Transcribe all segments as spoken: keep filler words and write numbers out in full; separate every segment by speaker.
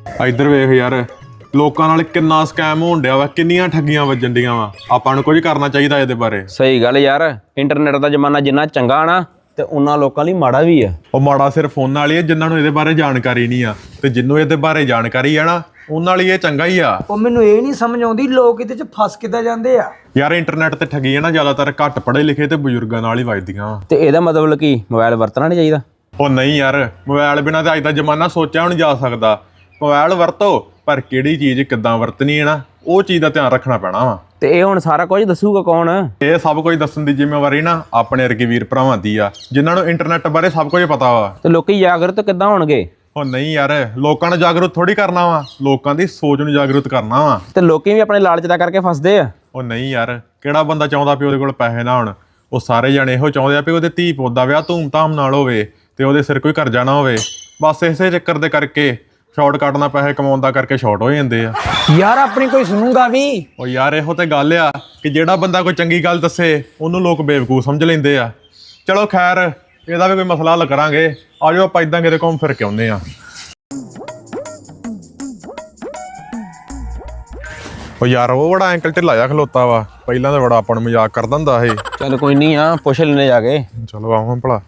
Speaker 1: ਇੱਧਰ ਵੇਖ ਯਾਰ, ਲੋਕਾਂ ਨਾਲ ਕਿੰਨਾ ਸਕੈਮ ਹੋਣ ਡਿਆ ਵਾ, ਕਿੰਨੀਆਂ ਠੱਗੀਆਂ ਵੱਜਣ ਡੀਆਂ ਵਾ। ਆਪਾਂ ਨੂੰ ਕੁਝ ਕਰਨਾ ਚਾਹੀਦਾ ਇਹਦੇ ਬਾਰੇ।
Speaker 2: ਸਹੀ ਗੱਲ ਯਾਰ, ਇੰਟਰਨੈਟ ਦਾ ਜ਼ਮਾਨਾ ਜਿੰਨਾ ਚੰਗਾ ਨਾ ਤੇ ਉਹਨਾਂ ਲੋਕਾਂ ਲਈ ਮਾੜਾ ਵੀ ਆ।
Speaker 1: ਉਹ ਮਾੜਾ ਸਿਰਫ ਫੋਨਾਂ ਵਾਲੀ ਆ ਜਿਨ੍ਹਾਂ ਨੂੰ ਇਹਦੇ ਬਾਰੇ ਜਾਣਕਾਰੀ ਨਹੀਂ ਆ, ਤੇ ਜਿੰਨੂੰ ਇਹਦੇ ਬਾਰੇ ਜਾਣਕਾਰੀ ਆ ਨਾ ਉਹਨਾਂ ਲਈ ਇਹ ਚੰਗਾ ਹੀ ਆ।
Speaker 3: ਉਹ ਮੈਨੂੰ ਇਹ ਨਹੀਂ ਸਮਝ ਆਉਂਦੀ ਲੋਕ ਇਹਦੇ 'ਚ ਫਸ ਕਿੱਦਾਂ ਜਾਂਦੇ ਆ।
Speaker 1: ਯਾਰ ਇੰਟਰਨੈਟ ਤੇ ਠੱਗੀਆਂ ਨਾ ਜ਼ਿਆਦਾਤਰ ਘੱਟ ਪੜ੍ਹੇ ਲਿਖੇ ਤੇ ਬਜ਼ੁਰਗਾਂ ਨਾਲ ਹੀ ਵੱਜਦੀਆਂ ਵਾ।
Speaker 2: ਤੇ ਇਹਦਾ ਮਤਲਬ ਕੀ ਮੋਬਾਈਲ ਵਰਤਣਾ ਨਹੀਂ ਚਾਹੀਦਾ?
Speaker 1: ਉਹ ਨਹੀਂ ਯਾਰ, ਮੋਬਾਈਲ ਬਿਨਾਂ ਤਾਂ ਅੱਜ ਦਾ ਜ਼ਮਾਨਾ ਸੋਚਿਆ ਵੀ ਨਹੀਂ ਜਾ ਸਕਦਾ। ਮੋਬਾਈਲ ਵਰਤੋ, ਪਰ ਕਿਹੜੀ ਚੀਜ਼ ਕਿੱਦਾਂ ਵਰਤਣੀ ਹੈ ਨਾ, ਉਹ ਚੀਜ਼ ਦਾ ਧਿਆਨ ਰੱਖਣਾ ਪੈਣਾ ਵਾ।
Speaker 2: ਤੇ ਇਹ ਹੁਣ ਸਾਰਾ ਕੁਝ ਦੱਸੂਗਾ ਕੌਣ?
Speaker 1: ਇਹ ਸਭ ਕੁਝ ਦੱਸਣ ਦੀ ਜ਼ਿੰਮੇਵਾਰੀ ਨਾ ਆਪਣੇ ਵਰਗੇ ਵੀਰ ਭਰਾਵਾਂ ਦੀ ਆ, ਜਿਨ੍ਹਾਂ ਨੂੰ ਇੰਟਰਨੈਟ ਬਾਰੇ ਸਭ ਕੁਝ ਪਤਾ ਵਾ।
Speaker 2: ਤੇ ਲੋਕੀ ਜਾਗਰੂਕ ਕਿੱਦਾਂ ਹੋਣਗੇ?
Speaker 1: ਉਹ ਨਹੀਂ ਯਾਰ, ਲੋਕਾਂ ਨੂੰ ਜਾਗਰੂਕ ਥੋੜੀ ਕਰਨਾ ਵਾ, ਲੋਕਾਂ ਦੀ ਸੋਚ ਨੂੰ ਜਾਗਰੂਕ ਕਰਨਾ ਵਾ।
Speaker 2: ਤੇ ਲੋਕੀ ਵੀ ਆਪਣੇ ਲਾਲਚ ਦਾ ਕਰਕੇ ਫਸਦੇ ਆ।
Speaker 1: ਉਹ ਨਹੀਂ ਯਾਰ, ਕਿਹੜਾ ਬੰਦਾ ਚਾਹੁੰਦਾ ਵੀ ਉਹਦੇ ਕੋਲ ਪੈਸੇ ਨਾ ਹੋਣ? ਉਹ ਸਾਰੇ ਜਣੇ ਇਹੋ ਚਾਹੁੰਦੇ ਆ ਵੀ ਉਹਦੇ ਧੀ ਪੁੱਤ ਦਾ ਵਿਆਹ ਧੂਮ-ਧਾਮ ਨਾਲ ਹੋਵੇ ਤੇ ਉਹਦੇ ਸਿਰ ਕੋਈ ਕਰਜ਼ਾ ਨਾ ਹੋਵੇ। ਬਸ ਇਸੇ ਚੱਕਰ ਦੇ ਕਰਕੇ ਸ਼ਾਰਟਕਟ ਨਾਲ ਪੈਸੇ ਕਮਾਉਣ ਦਾ ਕਰਕੇ ਸ਼ਾਰਟ ਹੋ ਜਾਂਦੇ ਆ।
Speaker 3: ਯਾਰ ਆਪਣੀ ਕੋਈ ਸੁਣੂਗਾ ਵੀ? ਉਹ
Speaker 1: ਯਾਰ ਇਹੋ ਤੇ ਗੱਲ ਆ ਕਿ ਜਿਹੜਾ ਬੰਦਾ ਕੋਈ ਚੰਗੀ ਗੱਲ ਦੱਸੇ ਉਹਨੂੰ ਲੋਕ ਬੇਵਕੂਫ ਸਮਝ ਲੈਂਦੇ ਆ। ਚਲੋ ਖੈਰ, ਇਹਦਾ ਵੀ ਕੋਈ ਮਸਲਾ ਹੱਲ ਕਰਾਂਗੇ। ਆਜੋ ਆਪਾਂ ਇਦਾਂ ਕਿਤੇ ਘੁੰਮ ਫਿਰ ਕੇ ਆਉਂਦੇ ਆ। ਉਹ ਯਾਰ ਉਹ ਬੜਾ ਐਂਕਲ ਢਿੱਲਾ ਜਿਹਾ ਖਲੋਤਾ ਵਾ, ਪਹਿਲਾਂ ਤਾਂ ਬੜਾ ਆਪਾਂ ਨੂੰ ਮਜ਼ਾਕ ਕਰਦਾ ਹੁੰਦਾ ਇਹ।
Speaker 2: ਚੱਲ ਕੋਈ ਨਹੀਂ ਆ, ਪੁੱਛ ਲੈਣੇ ਜਾ ਕੇ।
Speaker 1: ਚਲੋ ਆਵਾਂ ਭਲਾ।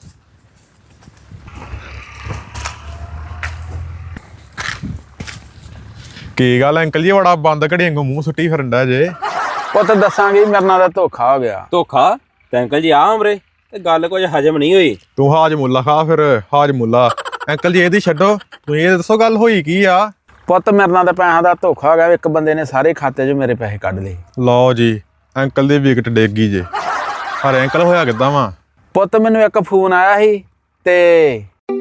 Speaker 1: ਕੀ ਗੱਲ ਅੰਕਲ ਜੀ, ਬੜਾ ਬੰਦ ਘੜੀ ਵਾਂਗੂ ਮੂੰਹ ਸੁੱਟੀ ਫਿਰਦਾ ਜੇ?
Speaker 4: ਪੁੱਤ ਦੱਸਾਂਗੇ ਮੇਰੇ ਨਾਲ ਦਾ ਧੋਖਾ ਹੋ ਗਿਆ।
Speaker 2: ਧੋਖਾ? ਤੇ ਅੰਕਲ ਜੀ ਆ ਉਮਰੇ ਤੇ ਗੱਲ ਕੁਝ ਹਜਮ ਨਹੀਂ ਹੋਈ।
Speaker 1: ਤੂੰ ਹਾਜਮੁੱਲਾ ਖਾ ਫਿਰ, ਹਾਜਮੁੱਲਾ। ਅੰਕਲ ਜੀ ਇਹਦੀ ਛੱਡੋ, ਤੂੰ ਇਹ ਦੱਸੋ ਗੱਲ ਹੋਈ ਕੀ ਆ?
Speaker 4: ਪੁੱਤ ਮੇਰੇ ਨਾਲ ਦਾ ਪੈਸਿਆਂ ਦਾ ਧੋਖਾ ਹੋ ਗਿਆ। ਇੱਕ ਬੰਦੇ ਨੇ ਸਾਰੇ ਖਾਤੇ 'ਚੋਂ ਮੇਰੇ ਪੈਸੇ ਕੱਢ ਲਏ।
Speaker 1: ਲਓ ਜੀ, ਅੰਕਲ ਦੀ ਵਿਕਟ ਡਿੱਗ ਗਈ ਜੇ। ਪਰ ਅੰਕਲ ਹੋਇਆ ਕਿੱਦਾਂ ਵਾ?
Speaker 4: ਪੁੱਤ ਮੈਨੂੰ ਇੱਕ ਫੋਨ ਆਇਆ ਸੀ ਤੇ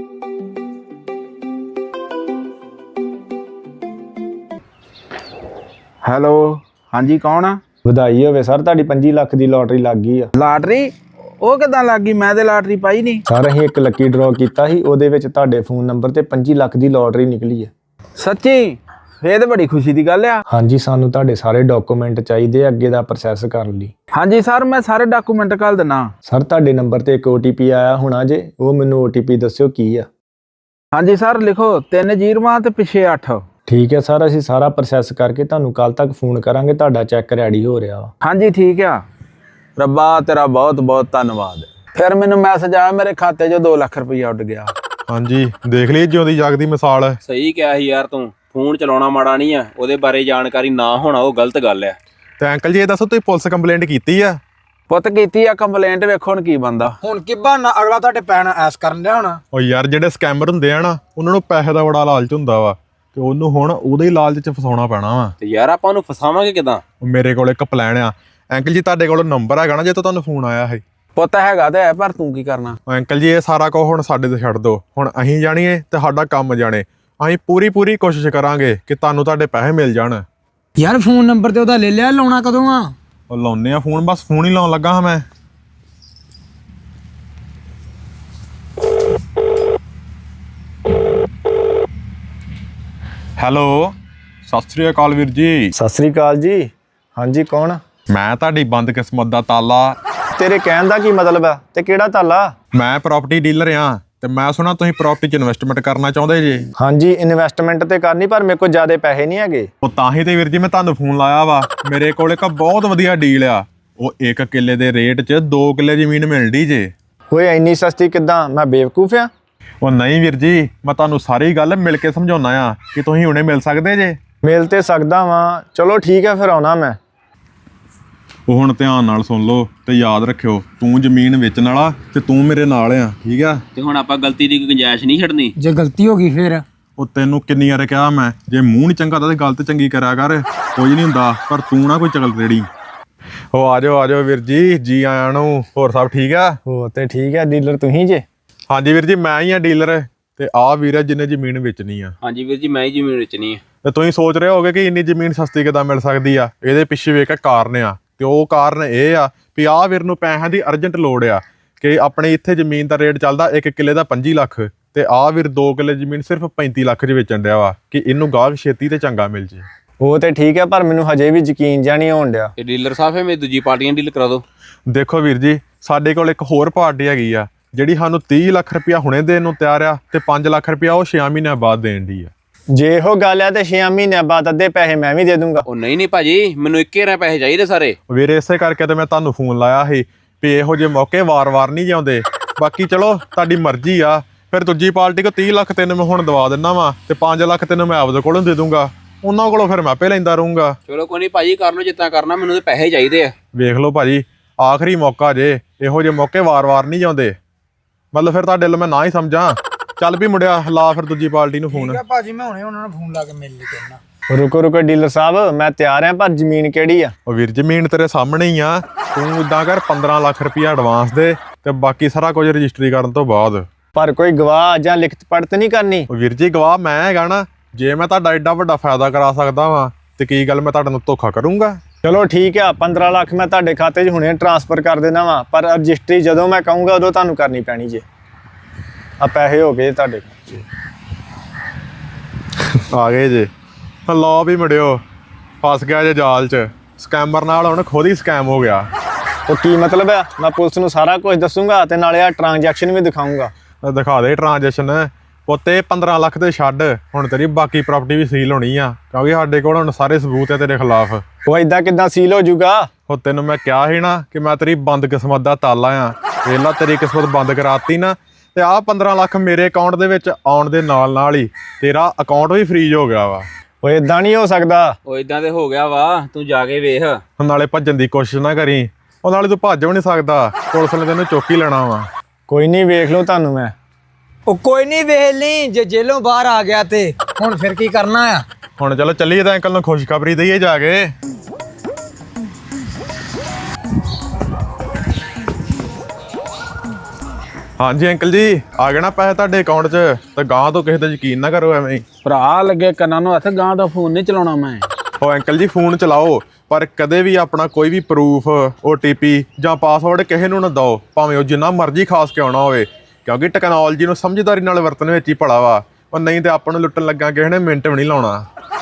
Speaker 4: ਹੈਲੋ, ਹਾਂਜੀ ਕੌਣ ਆ?
Speaker 5: ਵਧਾਈ ਹੋਵੇ ਸਰ, ਤੁਹਾਡੀ ਪੰਜੀ ਲੱਖ ਦੀ ਲੋਟਰੀ ਲੱਗ ਗਈ ਆ।
Speaker 4: ਲਾਟਰੀ? ਉਹ ਕਿੱਦਾਂ ਲੱਗ ਗਈ? ਮੈਂ ਤੇ ਲਾਟਰੀ ਪਾਈ ਨਹੀਂ।
Speaker 5: ਸਰ ਅਸੀਂ ਇੱਕ ਲੱਕੀ ਡਰਾਅ ਕੀਤਾ ਸੀ, ਉਹਦੇ ਵਿੱਚ ਤੁਹਾਡੇ ਫੋਨ ਨੰਬਰ ਤੇ ਪੰਜੀ ਲੱਖ ਦੀ ਲੋਟਰੀ ਨਿਕਲੀ ਆ।
Speaker 4: ਸੱਚੀ? ਇਹ ਤਾਂ ਬੜੀ ਖੁਸ਼ੀ ਦੀ ਗੱਲ ਆ।
Speaker 5: ਹਾਂਜੀ, ਸਾਨੂੰ ਤੁਹਾਡੇ ਸਾਰੇ ਡਾਕੂਮੈਂਟ ਚਾਹੀਦੇ ਆ ਅੱਗੇ ਦਾ ਪ੍ਰੋਸੈਸ ਕਰਨ ਲਈ।
Speaker 4: ਹਾਂਜੀ ਸਰ, ਮੈਂ ਸਾਰੇ ਡਾਕੂਮੈਂਟ ਘੱਲ ਦਿੰਦਾ।
Speaker 5: ਸਰ ਤੁਹਾਡੇ ਨੰਬਰ ਤੇ ਇੱਕ ਓ ਟੀ ਪੀ ਆਇਆ ਹੋਣਾ ਜੇ, ਉਹ ਮੈਨੂੰ ਓ ਟੀ ਪੀ ਦੱਸਿਓ ਕੀ ਆ।
Speaker 4: ਹਾਂਜੀ ਸਰ, ਲਿਖੋ ਤਿੰਨ ਜ਼ੀਰੋਆਂ ਤੇ ਪਿੱਛੇ ਅੱਠ।
Speaker 5: ਠੀਕ ਹੈ ਸਰ, ਅਸੀਂ ਸਾਰਾ ਪ੍ਰੋਸੈਸ ਕਰਕੇ ਤੁਹਾਨੂੰ ਕੱਲ ਤੱਕ ਫੋਨ ਕਰਾਂਗੇ। ਤੁਹਾਡਾ ਚੈੱਕ ਰੈਡੀ ਹੋ ਰਿਹਾ ਵਾ।
Speaker 4: ਹਾਂਜੀ ਠੀਕ ਆ। ਰੱਬਾ ਤੇਰਾ ਬਹੁਤ ਬਹੁਤ ਧੰਨਵਾਦ। ਫਿਰ ਮੈਨੂੰ ਮੈਸੇਜ ਆਇਆ ਮੇਰੇ ਖਾਤੇ 'ਚੋਂ ਦੋ ਲੱਖ ਰੁਪਈਆ ਉੱਡ ਗਿਆ।
Speaker 1: ਹਾਂਜੀ ਦੇਖ ਲਈ ਜਿਉਂਦੀ ਜਾਗਦੀ ਮਿਸਾਲ।
Speaker 2: ਸਹੀ ਕਿਹਾ ਸੀ ਯਾਰ ਤੂੰ, ਫੋਨ ਚਲਾਉਣਾ ਮਾੜਾ ਨਹੀਂ ਆ, ਉਹਦੇ ਬਾਰੇ ਜਾਣਕਾਰੀ ਨਾ ਹੋਣਾ ਉਹ ਗਲਤ ਗੱਲ ਆ।
Speaker 1: ਤੇ ਅੰਕਲ ਜੀ ਇਹ ਦੱਸੋ, ਤੁਸੀਂ ਪੁਲਿਸ ਕੰਪਲੇਂਟ ਕੀਤੀ ਆ?
Speaker 4: ਪੁੱਤ ਕੀਤੀ ਆ ਕੰਪਲੇਂਟ, ਵੇਖੋ ਹੁਣ ਕੀ ਬੰਦਾ।
Speaker 3: ਹੁਣ ਕੀ ਬਹਾਨਾ ਅਗਲਾ ਤੁਹਾਡੇ ਪੈਣ ਐਸ ਕਰਨ ਡਿਆ ਹੋਣਾ।
Speaker 1: ਉਹ ਯਾਰ ਜਿਹੜੇ ਸਕੈਮਰ ਹੁੰਦੇ ਆ ਨਾ, ਉਹਨਾਂ ਨੂੰ ਪੈਸੇ ਦਾ ਬੜਾ ਲਾਲਚ ਹੁੰਦਾ ਵਾ, ਤੇ ਉਹਨੂੰ ਹੁਣ ਉਹਦੇ ਹੀ ਲਾਲਚ 'ਚ ਫਸਾਉਣਾ ਪੈਣਾ ਵਾ।
Speaker 2: ਤੇ ਯਾਰ ਆਪਾਂ ਉਹਨੂੰ ਫਸਾਵਾਂਗੇ ਕਿਦਾਂ?
Speaker 1: ਮੇਰੇ ਕੋਲ ਇੱਕ ਪਲਾਨ ਆ। ਅੰਕਲ ਜੀ ਤੁਹਾਡੇ ਕੋਲ ਨੰਬਰ ਹੈਗਾ ਨਾ ਜੇ ਤੋਂ ਤੁਹਾਨੂੰ ਫੋਨ ਆਇਆ ਹੈ?
Speaker 4: ਪੁੱਤ ਹੈਗਾ ਤੇ ਹੈ, ਪਰ ਤੂੰ ਕੀ ਕਰਨਾ?
Speaker 1: ਅੰਕਲ ਜੀ ਇਹ ਸਾਰਾ ਕੁਝ ਹੁਣ ਸਾਡੇ ਤੇ ਛੱਡ ਦਿਓ। ਹੁਣ ਅਸੀਂ ਜਾਣੀਏ ਤੇ ਸਾਡਾ ਕੰਮ ਜਾਣੇ। ਅਸੀਂ ਪੂਰੀ ਪੂਰੀ ਕੋਸ਼ਿਸ਼ ਕਰਾਂਗੇ ਕਿ ਤੁਹਾਨੂੰ ਤੁਹਾਡੇ ਪੈਸੇ ਮਿਲ ਜਾਣ।
Speaker 3: ਯਾਰ ਫੋਨ ਨੰਬਰ ਤੇ ਉਹਦਾ ਲੈ ਲਿਆ, ਲਾਉਣਾ ਕਦੋਂ ਆ?
Speaker 1: ਉਹ ਲਾਉਨੇ ਆ ਫੋਨ, ਬਸ ਫੋਨ ਹੀ ਲਾਉਣ ਲੱਗਾ ਹਾਂ ਮੈਂ। ਹੈਲੋ, ਸਤਿ ਸ੍ਰੀ ਅਕਾਲ ਵੀਰ ਜੀ।
Speaker 5: ਸਤਿ ਸ੍ਰੀ ਅਕਾਲ ਜੀ। ਹਾਂਜੀ ਕੌਣ?
Speaker 1: ਮੈਂ ਤੁਹਾਡੀ ਬੰਦ ਕਿਸਮਤ ਦਾ ਤਾਲਾ।
Speaker 5: ਤੇਰੇ ਕਹਿਣ ਦਾ ਕੀ ਮਤਲਬ ਆ ਤੇ ਕਿਹੜਾ ਤਾਲਾ?
Speaker 1: ਮੈਂ ਪ੍ਰਾਪਰਟੀ ਡੀਲਰ ਆ, ਤੇ ਮੈਂ ਸੁਣਾ ਤੁਸੀਂ ਪ੍ਰਾਪਰਟੀ 'ਚ ਇਨਵੈਸਟਮੈਂਟ ਕਰਨਾ ਚਾਹੁੰਦੇ ਜੀ।
Speaker 5: ਹਾਂਜੀ ਇਨਵੈਸਟਮੈਂਟ ਤੇ ਕਰਨੀ, ਪਰ ਮੇਰੇ ਕੋਲ ਜ਼ਿਆਦਾ ਪੈਸੇ ਨਹੀਂ ਹੈਗੇ।
Speaker 1: ਉਹ ਤਾਂ ਹੀ ਤੇ ਵੀਰ ਜੀ ਮੈਂ ਤੁਹਾਨੂੰ ਫੋਨ ਲਾਇਆ ਵਾ। ਮੇਰੇ ਕੋਲ ਇੱਕ ਬਹੁਤ ਵਧੀਆ ਡੀਲ ਆ। ਉਹ ਇੱਕ ਕਿੱਲੇ ਦੇ ਰੇਟ 'ਚ ਦੋ ਕਿੱਲੇ ਜ਼ਮੀਨ ਮਿਲਦੀ ਜੇ।
Speaker 5: ਓਏ ਇੰਨੀ ਸਸਤੀ ਕਿੱਦਾਂ? ਮੈਂ ਬੇਵਕੂਫ ਆ?
Speaker 1: ਉਹ ਨਹੀਂ ਵੀਰ ਜੀ, ਮੈਂ ਤੁਹਾਨੂੰ ਸਾਰੀ ਗੱਲ ਮਿਲ ਕੇ ਸਮਝਾਉਣਾ ਆ ਕਿ ਤੁਸੀਂ ਹੁਣੇ ਮਿਲ ਸਕਦੇ ਜੇ।
Speaker 5: ਮਿਲ ਤੇ ਸਕਦਾ ਵਾਂ, ਚਲੋ ਠੀਕ ਹੈ ਫਿਰ ਆਉਣਾ ਮੈਂ।
Speaker 1: ਉਹ ਹੁਣ ਧਿਆਨ ਨਾਲ ਸੁਣ ਲਓ ਤੇ ਯਾਦ ਰੱਖਿਓ, ਤੂੰ ਜ਼ਮੀਨ ਵੇਚਣ ਵਾਲਾ ਤੇ ਤੂੰ ਮੇਰੇ ਨਾਲ ਆ, ਠੀਕ ਆ?
Speaker 2: ਤੇ ਹੁਣ ਆਪਾਂ ਗਲਤੀ ਦੀ ਕੋਈ ਗੁੰਜਾਇਸ਼ ਨਹੀਂ ਛੱਡਣੀ।
Speaker 3: ਜੇ ਗਲਤੀ ਹੋ ਗਈ ਫਿਰ?
Speaker 1: ਉਹ ਤੈਨੂੰ ਕਿੰਨੀ ਵਾਰ ਕਿਹਾ ਮੈਂ, ਜੇ ਮੂੰਹ ਨਹੀਂ ਚੰਗਾ ਤਾਂ ਤੇ ਗਲਤ ਚੰਗੀ ਕਰਿਆ ਕਰ। ਕੁਝ ਨਹੀਂ ਹੁੰਦਾ, ਪਰ ਤੂੰ ਨਾ ਕੋਈ ਚਗਲ ਰੇੜੀ। ਉਹ ਆ ਜਾਓ ਆ ਜਾਓ ਵੀਰ ਜੀ, ਜੀ ਆਇਆਂ ਨੂੰ। ਹੋਰ ਸਭ ਠੀਕ ਆ?
Speaker 5: ਹੋ ਤੇ ਠੀਕ ਹੈ, ਡੀਲਰ ਤੁਸੀਂ ਜੇ?
Speaker 1: ਹਾਂਜੀ ਵੀਰ ਜੀ, ਮੈਂ ਹੀ ਆ ਡੀਲਰ। ਤੇ ਆਹ ਵੀਰ ਆ ਜਿਹਨੇ ਜ਼ਮੀਨ ਵੇਚਣੀ ਆ।
Speaker 2: ਹਾਂਜੀ ਵੀਰ ਜੀ, ਮੈਂ ਹੀ ਜ਼ਮੀਨ ਵੇਚਣੀ ਆ।
Speaker 1: ਤੇ ਤੁਸੀਂ ਸੋਚ ਰਹੇ ਹੋਗੇ ਕਿ ਇੰਨੀ ਜ਼ਮੀਨ ਸਸਤੀ ਕਿੱਦਾਂ ਮਿਲ ਸਕਦੀ ਆ? ਇਹਦੇ ਪਿੱਛੇ ਵੀ ਇੱਕ ਕਾਰਨ ਆ, ਤੇ ਉਹ ਕਾਰਨ ਇਹ ਆ ਵੀ ਆਹ ਵੀਰ ਨੂੰ ਪੈਸਿਆਂ ਦੀ ਅਰਜੈਂਟ ਲੋੜ ਆ। ਕਿ ਆਪਣੇ ਇੱਥੇ ਜ਼ਮੀਨ ਦਾ ਰੇਟ ਚੱਲਦਾ ਇੱਕ ਕਿੱਲੇ ਦਾ ਪੰਜੀ ਲੱਖ, ਤੇ ਆਹ ਵੀਰ ਦੋ ਕਿੱਲੇ ਜ਼ਮੀਨ ਸਿਰਫ ਪੈਂਤੀ ਲੱਖ 'ਚ ਵੇਚਣ ਡਿਆ ਵਾ ਕਿ ਇਹਨੂੰ ਗਾਹਕ ਛੇਤੀ ਤੇ ਚੰਗਾ ਮਿਲ ਜੇ।
Speaker 5: ਉਹ ਤੇ ਠੀਕ ਹੈ, ਪਰ ਮੈਨੂੰ ਹਜੇ ਵੀ ਯਕੀਨ ਜਿਹਾ ਨਹੀਂ ਹੋਣ ਡਿਆ।
Speaker 2: ਤੇ ਡੀਲਰ ਸਾਹਿਬ, ਮੇਰੀ ਦੂਜੀ ਪਾਰਟੀਆਂ ਡੀਲ ਕਰਾ ਦਿਓ।
Speaker 1: ਦੇਖੋ ਵੀਰ ਜੀ, ਸਾਡੇ ਕੋਲ ਇੱਕ ਹੋਰ ਪਾਰਟੀ ਹੈਗੀ ਆ ਜਿਹੜੀ ਸਾਨੂੰ ਤੀਹ ਲੱਖ ਰੁਪਇਆ ਹੁਣੇ ਦੇਣ ਨੂੰ ਤਿਆਰ ਆ, ਤੇ ਪੰਜ ਲੱਖ ਰੁਪਇਆ ਉਹ ਛੇ ਮਹੀਨਿਆਂ ਬਾਅਦ ਦੇਣ ਦੀ ਆ।
Speaker 5: ਜੇ ਇਹੋ ਗੱਲ ਹੈ ਤੇ ਛੇ ਮਹੀਨਿਆਂ ਬਾਅਦ ਅੱਧੇ ਪੈਸੇ ਮੈਂ ਵੀ ਦੇ ਦੂੰਗਾ।
Speaker 2: ਉਹ ਨਹੀਂ ਨਹੀਂ ਭਾਜੀ, ਮੈਨੂੰ ਇੱਕੇ ਰਾਂ ਪੈਸੇ ਚਾਹੀਦੇ ਸਾਰੇ।
Speaker 1: ਵੀਰੇ ਇਸੇ ਕਰਕੇ ਤੇ ਮੈਂ ਤੁਹਾਨੂੰ ਫੋਨ ਲਾਇਆ ਸੀ ਵੀ ਇਹੋ ਜਿਹੇ ਮੌਕੇ ਵਾਰ-ਵਾਰ ਨਹੀਂ ਜਾਂਦੇ। ਬਾਕੀ ਚਲੋ ਤੁਹਾਡੀ ਮਰਜ਼ੀ ਆ, ਫਿਰ ਦੂਜੀ ਪਾਰਟੀ ਕੋ ਤੀਹ ਲੱਖ ਤੈਨੂੰ ਮੈਂ ਹੁਣ ਦਵਾ ਦਿੰਦਾ ਵਾ ਤੇ ਪੰਜ ਲੱਖ ਤੈਨੂੰ ਮੈਂ ਆਪਦੇ ਕੋਲੋਂ ਦੇ ਦੂੰਗਾ, ਉਹਨਾਂ ਕੋਲੋਂ ਫਿਰ ਮੈਂ ਆਪੇ ਲੈਂਦਾ ਰਹੂੰਗਾ।
Speaker 2: ਚਲੋ ਕੋਈ ਨਹੀਂ ਭਾਜੀ, ਕਰ ਲਓ ਜਿੱਦਾਂ ਕਰਨਾ, ਮੈਨੂੰ ਤੇ ਪੈਸੇ ਚਾਹੀਦੇ ਆ।
Speaker 1: ਵੇਖ ਲਓ ਭਾਜੀ, ਆਖਰੀ ਮੌਕਾ ਜੇ, ਇਹੋ ਜਿਹੇ ਮੌਕੇ ਵਾਰ-ਵਾਰ ਨਹੀਂ ਜਾਂਦੇ। ਮਤਲਬ ਫਿਰ ਤੁਹਾਡੇ ਲਈ ਮੈਂ ਨਾ ਹੀ ਸਮਝਾਂ। ਚੱਲ ਵੀ ਮੁੰਡਿਆ, ਲਾ ਫਿਰ ਦੂਜੀ ਪਾਰਟੀ ਨੂੰ ਫੋਨ।
Speaker 3: ਠੀਕ ਆ ਭਾਜੀ, ਮੈਂ ਹੁਣੇ ਉਹਨਾਂ ਨੂੰ ਫੋਨ ਲਾ ਕੇ ਮਿਲ ਲਈ ਕਹਿਣਾ।
Speaker 5: ਰੁਕੋ ਰੁਕੋ ਡੀਲਰ ਸਾਹਿਬ, ਮੈਂ ਤਿਆਰ ਹਾਂ, ਪਰ ਜ਼ਮੀਨ ਕਿਹੜੀ ਆ?
Speaker 1: ਉਹ ਵੀਰ ਜ਼ਮੀਨ ਤੇਰੇ ਸਾਹਮਣੇ ਹੀ ਆ। ਤੂੰ ਇਦਾਂ ਕਰ, ਪੰਦਰਾਂ ਲੱਖ ਰੁਪਇਆ ਐਡਵਾਂਸ ਦੇ ਤੇ ਬਾਕੀ ਸਾਰਾ ਕੁਝ ਰਜਿਸਟਰੀ ਕਰਨ ਤੋਂ ਬਾਅਦ।
Speaker 5: ਪਰ ਕੋਈ ਗਵਾਹ ਜਾਂ ਲਿਖਤ ਪੜਤ ਨਹੀਂ ਕਰਨੀ?
Speaker 1: ਉਹ ਵੀਰ ਜੀ, ਗਵਾਹ ਮੈਂ ਹੈਗਾ ਨਾ। ਜੇ ਮੈਂ ਤੁਹਾਡਾ ਐਡਾ ਵੱਡਾ ਫਾਇਦਾ ਕਰਾ ਸਕਦਾ ਵਾਂ ਤੇ ਕੀ ਗੱਲ ਮੈਂ ਤੁਹਾਡੇ ਨਾਲ ਧੋਖਾ ਕਰੂੰਗਾ?
Speaker 5: ਚਲੋ ਠੀਕ ਆ, ਪੰਦਰਾਂ ਲੱਖ ਮੈਂ ਤੁਹਾਡੇ ਖਾਤੇ 'ਚ ਹੁਣੇ ਟ੍ਰਾਂਸਫਰ ਕਰ ਦੇਣਾ ਵਾ, ਪਰ ਰਜਿਸਟਰੀ ਜਦੋਂ ਮੈਂ ਕਹੂੰਗਾ ਉਦੋਂ ਤੁਹਾਨੂੰ ਕਰਨੀ ਪੈਣੀ ਜੇ। ਆ ਪੈਸੇ ਹੋ ਗਏ ਤੁਹਾਡੇ।
Speaker 1: ਆ ਗਏ ਜੇ। ਲਓ ਵੀ ਮੁੰਡਿਓ, ਫਸ ਗਿਆ ਜੇ ਜਾਲ 'ਚ। ਸਕੈਮਰ ਨਾਲ ਹੁਣ ਖੁਦ ਹੀ ਸਕੈਮ ਹੋ ਗਿਆ।
Speaker 5: ਉਹ ਕੀ ਮਤਲਬ ਆ? ਮੈਂ ਪੁਲਿਸ ਨੂੰ ਸਾਰਾ ਕੁਝ ਦੱਸੂਗਾ ਤੇ ਨਾਲੇ ਆ ਟ੍ਰਾਂਜੈਕਸ਼ਨ ਵੀ ਦਿਖਾਊਂਗਾ।
Speaker 1: ਤਾਂ ਦਿਖਾ ਦੇ ਟ੍ਰਾਂਜੈਕਸ਼ਨ। ਉੱਤੇ ਪੰਦਰਾਂ ਲੱਖ ਤੇ ਛੱਡ, ਹੁਣ ਤੇਰੀ ਬਾਕੀ ਪ੍ਰਾਪਰਟੀ ਵੀ ਸੀਲ ਹੋਣੀ ਆ, ਕਿਉਂਕਿ ਸਾਡੇ ਕੋਲ ਹੁਣ ਸਾਰੇ ਸਬੂਤ ਹੈ ਤੇਰੇ ਖਿਲਾਫ।
Speaker 5: ਉਹ ਇਦਾਂ ਕਿੱਦਾਂ ਸੀਲ ਹੋ ਜਾਊਗਾ?
Speaker 1: ਉਹ ਤੈਨੂੰ ਮੈਂ ਕਿਹਾ ਸੀ ਨਾ ਕਿ ਮੈਂ ਤੇਰੀ ਬੰਦ ਕਿਸਮਤ ਦਾ ਤਾਲਾ ਆ। ਵੇਲਾ ਤੇਰੀ ਕਿਸਮਤ ਬੰਦ ਕਰਾਤੀ ਨਾ, ਤੇ ਆਹ ਪੰਦਰਾਂ ਲੱਖ ਮੇਰੇ ਅਕਾਊਂਟ ਦੇ ਵਿੱਚ ਆਉਣ ਦੇ ਨਾਲ ਨਾਲ ਹੀ ਤੇਰਾ ਅਕਾਊਂਟ ਵੀ ਫ੍ਰੀਜ਼ ਹੋ ਗਿਆ ਵਾ।
Speaker 5: ਉਹ ਇਦਾਂ ਨਹੀਂ ਹੋ ਸਕਦਾ।
Speaker 2: ਉਹ ਇਦਾਂ ਤੇ ਹੋ ਗਿਆ ਵਾ, ਤੂੰ ਜਾ ਕੇ ਵੇਖ।
Speaker 1: ਹੁਣ ਨਾਲੇ ਭੱਜਣ ਦੀ ਕੋਸ਼ਿਸ਼ ਨਾ ਕਰੀ, ਉਹ ਨਾਲੇ ਤੂੰ ਭੱਜ ਵੀ ਨਹੀਂ ਸਕਦਾ, ਪੁਲਿਸ ਨੇ ਤੈਨੂੰ ਚੁੱਕ ਹੀ ਲੈਣਾ ਵਾ।
Speaker 5: ਕੋਈ ਨਹੀਂ, ਵੇਖ ਲਓ ਤੁਹਾਨੂੰ ਮੈਂ।
Speaker 3: ਉਹ ਕੋਈ ਨਹੀਂ, ਵੇਖ ਲਈ, ਜੇ ਜੇਲੋਂ ਬਾਹਰ ਆ ਗਿਆ ਤੇ ਹੁਣ ਫਿਰ ਕੀ ਕਰਨਾ ਆ?
Speaker 1: ਹੁਣ ਚਲੋ ਚੱਲੀਏ ਤਾਂ ਅੰਕਲ ਨੂੰ ਖੁਸ਼ਖਬਰੀ ਦਈਏ ਜਾ ਕੇ। ਹਾਂਜੀ ਅੰਕਲ ਜੀ, ਆ ਗਏ ਨਾ ਪੈਸੇ ਤੁਹਾਡੇ ਅਕਾਊਂਟ 'ਚ, ਤੇ ਗਾਂ ਤੋਂ ਕਿਸੇ ਤੇ ਯਕੀਨ ਨਾ ਕਰੋ ਐਵੇਂ ਹੀ।
Speaker 4: ਭਰਾ ਲੱਗੇ ਕੰਨਾਂ ਨੂੰ ਹੱਥ, ਗਾਂ ਦਾ ਫੋਨ ਨਹੀਂ ਚਲਾਉਣਾ ਮੈਂ।
Speaker 1: ਉਹ ਅੰਕਲ ਜੀ, ਫੋਨ ਚਲਾਓ ਪਰ ਕਦੇ ਵੀ ਆਪਣਾ ਕੋਈ ਵੀ ਪ੍ਰੂਫ, ਓ ਟੀ ਪੀ ਜਾਂ ਪਾਸਵਰਡ ਕਿਸੇ ਨੂੰ ਨਾ ਦਿਓ, ਭਾਵੇਂ ਉਹ ਜਿੰਨਾ ਮਰਜ਼ੀ ਖਾਸ ਕਿਉਂ ਨਾ ਹੋਵੇ, ਕਿਉਂਕਿ ਟੈਕਨੋਲੋਜੀ ਨੂੰ ਸਮਝਦਾਰੀ ਨਾਲ ਵਰਤਣ ਵਿੱਚ ਹੀ ਭਲਾ ਵਾ। ਉਹ ਨਹੀਂ ਤੇ ਆਪਾਂ ਨੂੰ ਲੁੱਟਣ ਲੱਗਾ ਕਿਸੇ ਨੇ ਮਿੰਟ ਵੀ ਨਹੀਂ ਲਾਉਣਾ।